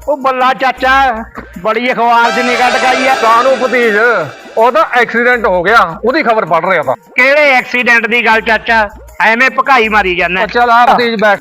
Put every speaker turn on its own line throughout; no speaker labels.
ਉਹ ਬੱਲਾ ਚਾਚਾ ਬੜੀ ਅਖਬਾਰ 'ਚ ਨਿਗਾਹ ਟਕਾਈ ਆ।
ਕਾਹਨੂੰ ਭਤੀਜ, ਉਹਦਾ ਐਕਸੀਡੈਂਟ ਹੋ ਗਿਆ, ਉਹਦੀ ਖਬਰ ਪੜ ਰਿਹਾ ਤਾਂ।
ਕਿਹੜੇ ਐਕਸੀਡੈਂਟ ਦੀ ਗੱਲ ਚਾਚਾ, ਐਵੇਂ ਭਕਾਈ ਮਾਰੀ ਜਾਂਦਾ।
ਚੱਲ ਆ ਭਤੀਜ ਬੈਠ।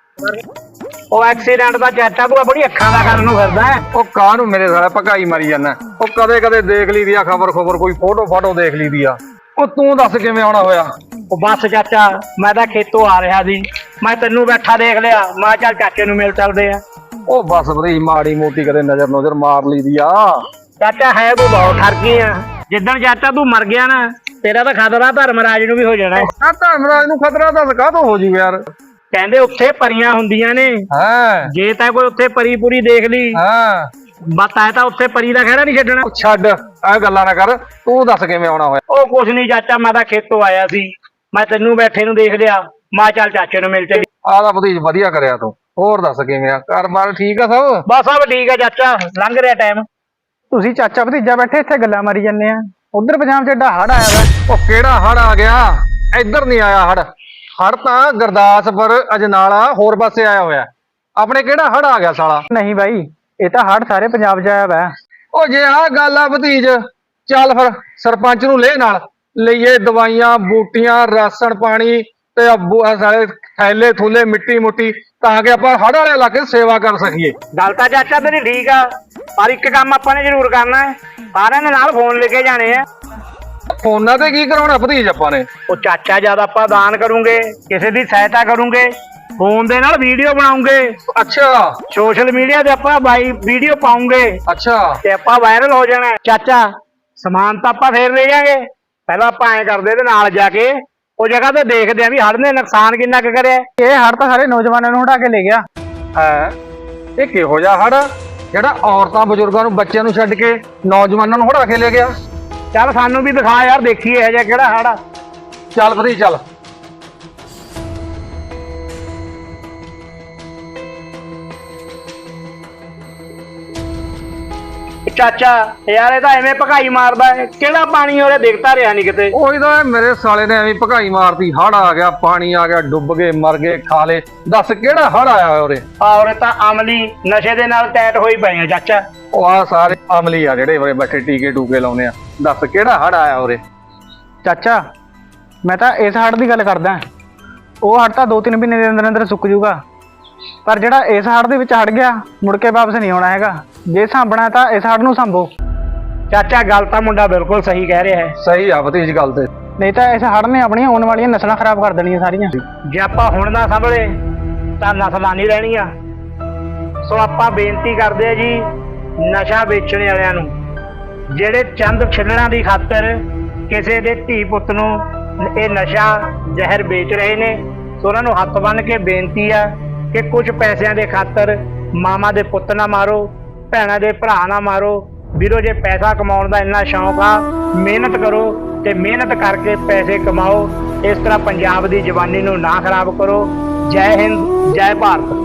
ਉਹ ਐਕਸੀਡੈਂਟ ਦਾ ਚਾਚਾ ਤੂੰ ਬੜੀ ਅੱਖਾਂ ਦਾ ਕਰਨ ਨੂੰ ਫਿਰਦਾ ਹੈ।
ਉਹ ਕਾਹਨੂੰ ਮੇਰੇ ਸਾਲੇ ਭਕਾਈ ਮਾਰੀ ਜਾਂਦਾ। ਉਹ ਕਦੇ ਕਦੇ ਦੇਖ ਲਈਦੀ ਆ ਖਬਰ ਕੋਈ ਫੋਟੋ ਦੇਖ ਲਈਦੀ ਆ। ਉਹ ਤੂੰ ਦੱਸ ਕਿਵੇਂ ਆਉਣਾ ਹੋਇਆ?
ਉਹ ਬਸ ਚਾਚਾ, ਮੈਂ ਤਾਂ ਖੇਤੋਂ ਆ ਰਿਹਾ ਸੀ, ਮੈਂ ਤੈਨੂੰ ਬੈਠਾ ਦੇਖ ਲਿਆ, ਮੈਂ ਚੱਲ ਚਾਚੇ ਨੂੰ ਮਿਲ ਚੱਲਦੇ ਆ।
ਉਹ ਬਸ ਭਤੀਜ ਮਾੜੀ ਮੋਟੀ ਕਦੇ ਨਜ਼ਰ ਮਾਰ ਲਈਦੀ ਆ।
ਚਾਚਾ ਹੈ ਤੂੰ ਬਹੁਤ ਠਰਕੀ ਆ। ਜਿੱਦਣ ਚਾਚਾ ਤੂੰ ਮਰ ਗਿਆ ਨਾ, ਤੇਰਾ ਤਾਂ ਖਤਰਾ ਧਰਮਰਾਜ ਨੂੰ ਵੀ ਹੋ ਜਾਣਾ।
ਆ ਧਰਮਰਾਜ ਨੂੰ ਖਤਰਾ ਦੱਸ ਕਾਹਤੋਂ ਹੋ ਜੂ ਯਾਰ?
ਕਹਿੰਦੇ ਉੱਥੇ ਪਰੀਆਂ ਹੁੰਦੀਆਂ ਨੇ,
ਹਾਂ
ਜੇ ਤਾਂ ਕੋਈ ਉੱਥੇ ਪਰੀ ਪੂਰੀ ਦੇਖ ਲਈ
ਹਾਂ
ਬਸ ਐ ਤਾਂ ਉੱਥੇ ਪਰੀ ਦਾ ਖਹਿੜਾ ਨਹੀਂ ਛੱਡਣਾ।
ਛੱਡ ਇਹ ਗੱਲਾਂ ਨਾ ਕਰ, ਤੂੰ ਦੱਸ ਕਿਵੇਂ ਆਉਣਾ ਹੋਇਆ?
ਉਹ ਕੁਛ ਨਹੀਂ ਚਾਚਾ, ਮੈਂ ਤਾਂ ਖੇਤੋਂ ਆਇਆ ਸੀ, ਮੈਂ ਤੈਨੂੰ ਬੈਠੇ ਨੂੰ ਦੇਖ ਲਿਆ, ਮੈਂ ਚੱਲ ਚਾਚੇ ਨੂੰ ਮਿਲ ਚੱਲੀ।
ਆਹ ਤਾਂ ਭਤੀਜ ਵਧੀਆ ਕਰਿਆ ਤੂੰ। ਹੋਰ ਦੱਸ ਕਿਵੇਂ ਆ? ਘਰ ਬਾਰ ਠੀਕ ਆ ਸਭ?
ਬਸ ਸਭ ਠੀਕ ਆ ਚਾਚਾ, ਲੰਘ ਰਿਹਾ ਟਾਈਮ।
ਤੁਸੀਂ ਚਾਚਾ ਭਤੀਜਾ ਬੈਠੇ ਇੱਥੇ ਗੱਲਾਂ ਮਾਰੀ ਜਾਂਦੇ ਆ। ਉਧਰ ਪੰਜਾਬ 'ਚ ਏਡਾ ਹੜ ਆਇਆ ਵਾ।
ਉਹ ਕਿਹੜਾ ਹੜ ਆ ਗਿਆ? ਇੱਧਰ ਨਹੀਂ ਆਇਆ ਹੜ। ਹੜ ਤਾਂ ਗੁਰਦਾਸਪੁਰ ਅਜਨਾਲਾ ਹੋਰ ਪਾਸੇ ਆਇਆ ਹੋਇਆ। ਆਪਣੇ ਕਿਹੜਾ ਹੜ ਆ ਗਿਆ ਸਾਲਾ?
ਨਹੀਂ ਬਾਈ, ਇਹ ਤਾਂ ਹੜ ਸਾਰੇ ਪੰਜਾਬ 'ਚ ਆਇਆ ਵਾ।
ਉਹ ਜੇ ਆਹ ਗੱਲ ਆ ਭਤੀਜ, ਚੱਲ ਫਿਰ ਸਰਪੰਚ ਨੂੰ ਲੈ ਨਾਲ ਲਈਏ ਦਵਾਈਆਂ ਬੂਟੀਆਂ ਰਾਸ਼ਨ ਪਾਣੀ ਤੇ ਸਾਰੇ ਥੈਲੇ ਥੂਲੇ ਮਿੱਟੀ ਮੁੱਟੀ, ਤਾਂ ਕਿ ਆਪਾਂ ਹੜ ਵਾਲੇ ਇਲਾਕੇ ਸੇਵਾ ਕਰ ਸਕੀਏ।
ਗੱਲ ਤਾਂ ਚਾਚਾ ਤੇਰੀ ਠੀਕ ਆ, ਪਰ ਇੱਕ ਕੰਮ ਆਪਾਂ ਨੇ ਜ਼ਰੂਰ ਕਰਨਾ ਹੈ, ਸਾਰਿਆਂ ਦੇ ਨਾਲ ਫੋਨ ਲੈ ਕੇ ਜਾਣੇ ਆ।
ਫੋਨਾਂ ਤੇ ਕੀ ਕਰਾਉਣਾ ਭਤੀਜ ਆਪਾਂ ਨੇ?
ਉਹ ਚਾਚਾ ਜਦ ਆਪਾਂ ਦਾਨ ਕਰੂੰਗੇ, ਕਿਸੇ ਦੀ ਸਹਾਇਤਾ ਕਰੂੰਗੇ, ਫੋਨ ਦੇ ਨਾਲ ਵੀਡੀਓ ਬਣਾਉਂਗੇ,
ਅੱਛਾ
ਸੋਸ਼ਲ ਮੀਡੀਆ ਤੇ ਆਪਾਂ ਵੀਡੀਓ ਪਾਉਂਗੇ
ਅੱਛਾ
ਤੇ ਆਪਾਂ ਵਾਇਰਲ ਹੋ ਜਾਣਾ। ਚਾਚਾ ਸਮਾਨ ਤਾਂ ਆਪਾਂ ਫੇਰ ਲੈ ਜਾਾਂਗੇ, ਪਹਿਲਾਂ ਆਪਾਂ ਐਂ ਕਰਦੇ ਤੇ ਨਾਲ ਜਾ ਕੇ ਉਹ ਜਗ੍ਹਾ ਤੇ ਦੇਖਦੇ ਆ ਵੀ ਹੜ ਨੇ ਨੁਕਸਾਨ ਕਿੰਨਾ ਕੁ ਕਰਿਆ।
ਇਹ ਹੜ ਤਾਂ ਸਾਰੇ ਨੌਜਵਾਨਾਂ ਨੂੰ ਹਟਾ ਕੇ ਲੈ ਗਿਆ।
ਹੈ ਇਹ ਕਿਹੋ ਜਿਹਾ ਹੜ ਜਿਹੜਾ ਔਰਤਾਂ ਬਜ਼ੁਰਗਾਂ ਨੂੰ ਬੱਚਿਆਂ ਨੂੰ ਛੱਡ ਕੇ ਨੌਜਵਾਨਾਂ ਨੂੰ ਹੜਾ ਕੇ ਲੈ ਗਿਆ?
ਚੱਲ ਸਾਨੂੰ ਵੀ ਦਿਖਾ ਯਾਰ, ਦੇਖੀਏ ਇਹ ਜਿਹਾ ਕਿਹੜਾ ਹੜ ਆ।
ਚੱਲ ਭਤੀਜ ਚੱਲ।
ਚਾਚਾ ਯਾਰ ਇਹ ਤਾਂ ਐਵੇਂ ਭਕਾਈ ਮਾਰਦਾ ਹੈ, ਕਿਹੜਾ ਪਾਣੀ ਉਹਦੇ ਦਿਖਦਾ ਰਿਹਾ ਨਹੀਂ ਕਿਤੇ।
ਉਹੀ ਤਾਂ ਮੇਰੇ ਸਾਲੇ ਨੇ ਐਵੇਂ ਭਕਾਈ ਮਾਰਤੀ। ਹੜ ਆ ਗਿਆ, ਪਾਣੀ ਆ ਗਿਆ, ਡੁੱਬ ਗਏ, ਮਰ ਗਏ, ਖਾ ਲਏ। ਦੱਸ ਕਿਹੜਾ ਹੜ ਆਇਆ ਉਰੇ?
ਔਰ ਤਾਂ ਅਮਲੀ ਨਸ਼ੇ ਦੇ ਨਾਲ ਟੈਟ ਹੋਈ ਪਏ ਆ ਚਾਚਾ।
ਉਹ ਆ ਸਾਰੇ ਅਮਲੀ ਆ ਜਿਹੜੇ ਉਰੇ ਬੈਠੇ ਟੀਕੇ ਟੂਕੇ ਲਾਉਨੇ ਆ। ਦੱਸ ਕਿਹੜਾ ਹੜ ਆਇਆ ਉਰੇ?
ਚਾਚਾ ਮੈਂ ਤਾਂ ਇਸ ਹੜ ਦੀ ਗੱਲ ਕਰਦਾ। ਉਹ ਹੜ ਤਾਂ 2-3 ਮਹੀਨੇ ਦੇ ਅੰਦਰ ਅੰਦਰ ਸੁੱਕ ਜੂਗਾ, ਪਰ ਜਿਹੜਾ ਇਸ ਹੜ ਦੇ ਵਿੱਚ ਹੜ ਗਿਆ ਮੁੜ ਕੇ ਵਾਪਸ ਨਹੀਂ ਆਉਣਾ ਹੈਗਾ। ਜੇ ਸਾਂਭਣਾ ਤਾਂ ਇਸ ਹੜ ਨੂੰ ਸਾਂਭੋ।
ਚਾਚਾ ਗੱਲ ਤਾਂ ਮੁੰਡਾ ਬਿਲਕੁਲ ਸਹੀ ਕਹਿ ਰਿਹਾ ਹੈ।
ਸਹੀ ਆ ਭਤੀਜ ਗੱਲ ਤੇ।
ਨਹੀਂ ਤਾਂ ਇਸ ਹੜ ਨੇ ਆਪਣੀਆਂ ਆਉਣ ਵਾਲੀਆਂ ਨਸਲਾਂ ਖਰਾਬ ਕਰ ਦੇਣੀਆਂ ਸਾਰੀਆਂ।
ਜੇ ਆਪਾਂ ਹੁਣ ਨਾ ਸੰਭਲੇ ਤਾਂ ਨਸਲਾਂ ਨਹੀਂ ਰਹਿਣੀਆਂ। ਸੋ ਆਪਾਂ ਬੇਨਤੀ ਕਰਦੇ ਆ ਜੀ ਨਸ਼ਾ ਵੇਚਣ ਵਾਲਿਆਂ ਨੂੰ, ਜਿਹੜੇ ਚੰਦ ਛਿੱਲਣਾ ਦੀ ਖਾਤਰ ਕਿਸੇ ਦੇ ਧੀ ਪੁੱਤ ਨੂੰ ਇਹ ਨਸ਼ਾ ਜ਼ਹਿਰ ਵੇਚ ਰਹੇ ਨੇ, ਸੋ ਉਹਨਾਂ ਨੂੰ ਹੱਥ ਬੰਨ੍ਹ ਕੇ ਬੇਨਤੀ ਆ ਕਿ ਕੁਝ ਪੈਸਿਆਂ ਦੇ ਖਾਤਰ ਮਾਮਾ ਦੇ ਪੁੱਤ ਨਾ ਮਾਰੋ, ਭੈਣਾਂ ਦੇ ਭਰਾ ਨਾ ਮਾਰੋ। ਵੀਰੋ ਜੇ ਪੈਸਾ ਕਮਾਉਣ ਦਾ ਇੰਨਾ ਸ਼ੌਂਕ ਆ, ਮਿਹਨਤ ਕਰੋ ਤੇ ਮਿਹਨਤ ਕਰਕੇ ਪੈਸੇ ਕਮਾਓ। ਇਸ ਤਰ੍ਹਾਂ ਪੰਜਾਬ ਦੀ ਜਵਾਨੀ ਨੂੰ ਨਾ ਖਰਾਬ ਕਰੋ। ਜੈ ਹਿੰਦ, ਜੈ ਭਾਰਤ।